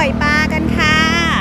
อยปลากันค่ะ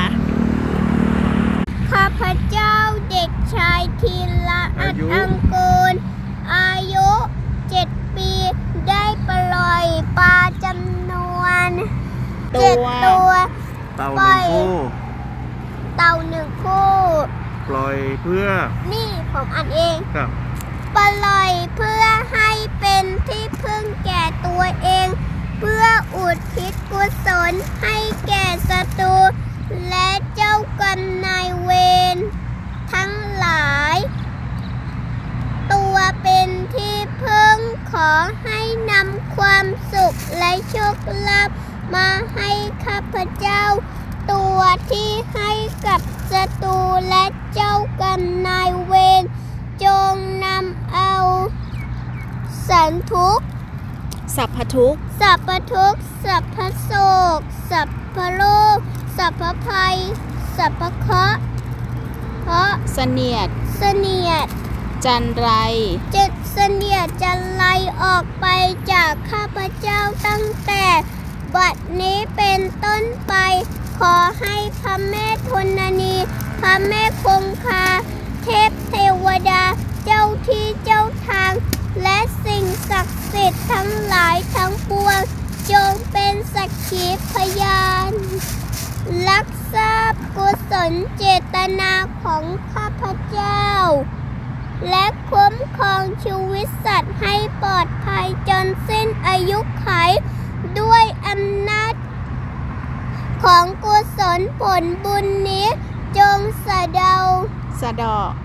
ข้าพเจ้าเด็กชายธีระอัดอังกูลอายุ7 ปีได้ปล่อยปลาจำนวน7 ตัวเต่าหนึ่งคู่เต่า1 คู่ปล่อยเพื่อนี่ผมอ่านเองครับปล่อยเพื่อให้เป็นที่พึ่งแก่ตัวเอง เพื่ออุทิศกุศลให้แก่ศัตรูและเจ้ากรรมนายเวรทั้งหลาย ตัวเป็นที่พึ่งขอให้นำความสุขและโชคลาภมาให้ข้าพเจ้า ตัวที่ให้กับศัตรูและเจ้ากรรมนายเวรจงนำเอาสันทุกข์สัพพทุกข์สัพพทุกข์สัพพโศกสัพพโรคสัพพภัยสัพพเคราะห์เสนียดเสนียดจันไรเสนียดจะไล่ออกไปจากข้าพเจ้าตั้งแต่บัดนี้เป็นต้นไป ขอให้พระแม่ธรณีพระแม่คงคาเทพเทวดาเจ้าที่เจ้าทางและสิ่งศักดิ์สิทธิ์ทั้งหลายทั้งปวงจงเป็นสักขีพยานรักษากุศลเจตนาของข้าพเจ้าและคุ้มครองชีวิตสัตว์ให้ปลอดภัยจนสิ้นอายุขัยด้วยอำนาจของกุศลผลบุญนี้จงสะเดาสะเดาะ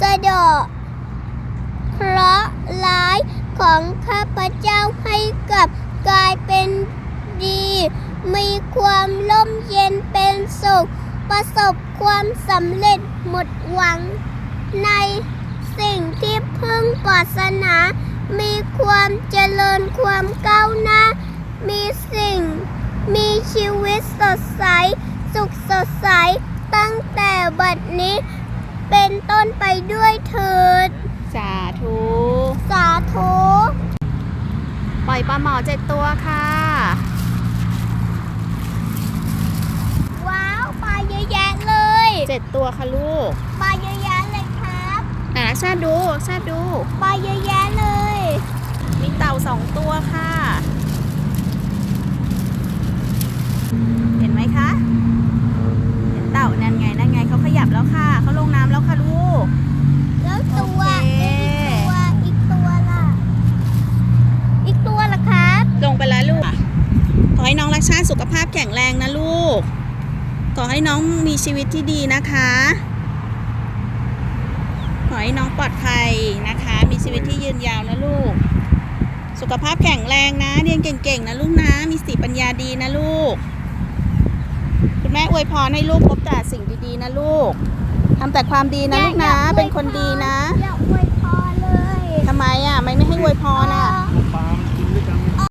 เคราะห์ร้ายของข้าพเจ้าให้กลับกลายเป็นดี มีความร่มเย็นเป็นสุข ประสบความสำเร็จหมดหวังในสิ่งที่พึงปรารถนา มีความเจริญความก้าวหน้า มีชีวิตสดใส สุขสดใสตั้งแต่บัดนี้เป็นต้นไปด้วยเถิดสาธุสาธุปล่อยปลาหมอ7 ตัวค่ะว้าวปลาเยอะแยะเลย 7 ตัวค่ะลูกปลาเยอะแยะเลยครับชาดูปลาเยอะแยะเลยมีเต่า2 ตัวค่ะ เห็นไหมคะเห็นเต่านั่นไงเขาขยับแล้วค่ะเขาลงน้ำแล้วค่ะลูกแล้วตัวโอเคอีกตัวล่ะ อีกตัวล่ะครับลงไปแล้วลูก ขอให้น้องรักชาติสุขภาพแข็งแรงนะลูก ขอให้น้องมีชีวิตที่ดีนะคะ ขอให้น้องปลอดภัยนะคะ มีชีวิตที่ยืนยาวนะลูก สุขภาพแข็งแรงนะ เรียนเก่งๆนะลูกนะ มีสติปัญญาดีนะลูก คุณแม่อวยพรให้ลูกพบแต่สิ่งดีๆนะลูก ทำแต่ความดีนะลูกนะ เป็นคนดีนะอย่าอวยพรเลยทำไมอ่ะไม่ให้อวยพรอ่ะ